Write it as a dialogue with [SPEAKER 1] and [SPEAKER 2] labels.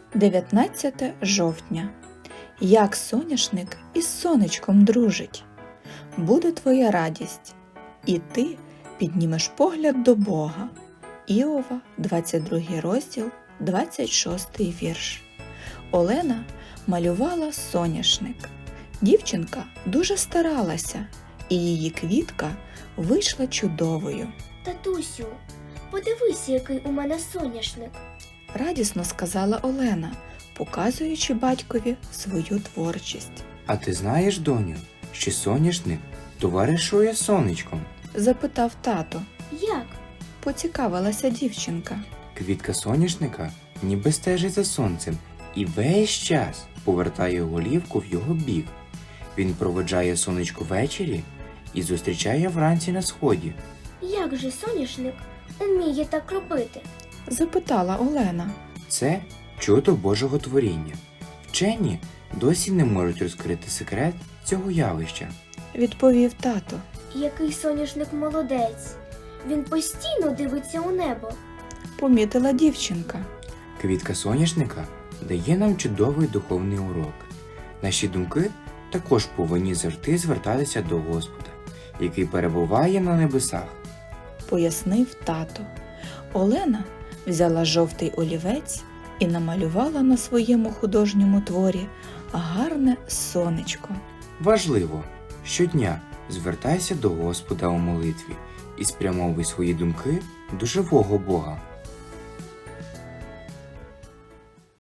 [SPEAKER 1] 19 жовтня. Як соняшник із сонечком дружить. Буде твоя радість, і ти піднімеш погляд до Бога. Іова, 22 розділ, 26 вірш. Олена малювала соняшник. Дівчинка дуже старалася, і її квітка вийшла чудовою.
[SPEAKER 2] Татусю, подивися, який у мене соняшник.
[SPEAKER 1] Радісно сказала Олена, показуючи батькові свою творчість.
[SPEAKER 3] А ти знаєш, доню, що соняшник товаришує з сонечком?
[SPEAKER 1] Запитав тато.
[SPEAKER 2] Як?
[SPEAKER 1] Поцікавилася дівчинка.
[SPEAKER 3] Квітка соняшника ніби стежить за сонцем і весь час повертає голівку в його бік. Він проведжає сонечко ввечері і зустрічає вранці на сході.
[SPEAKER 2] Як же соняшник уміє так робити?
[SPEAKER 1] Запитала Олена.
[SPEAKER 3] Це чудо Божого творіння. Вчені досі не можуть розкрити секрет цього явища.
[SPEAKER 1] Відповів тато.
[SPEAKER 2] Який соняшник молодець. Він постійно дивиться у небо.
[SPEAKER 1] Помітила дівчинка.
[SPEAKER 3] Квітка соняшника дає нам чудовий духовний урок. Наші думки також повинні завжди звертатися до Господа, який перебуває на небесах.
[SPEAKER 1] Пояснив тато. Олена взяла жовтий олівець і намалювала на своєму художньому творі гарне сонечко.
[SPEAKER 3] Важливо, щодня звертайся до Господа у молитві і спрямовуй свої думки до живого Бога.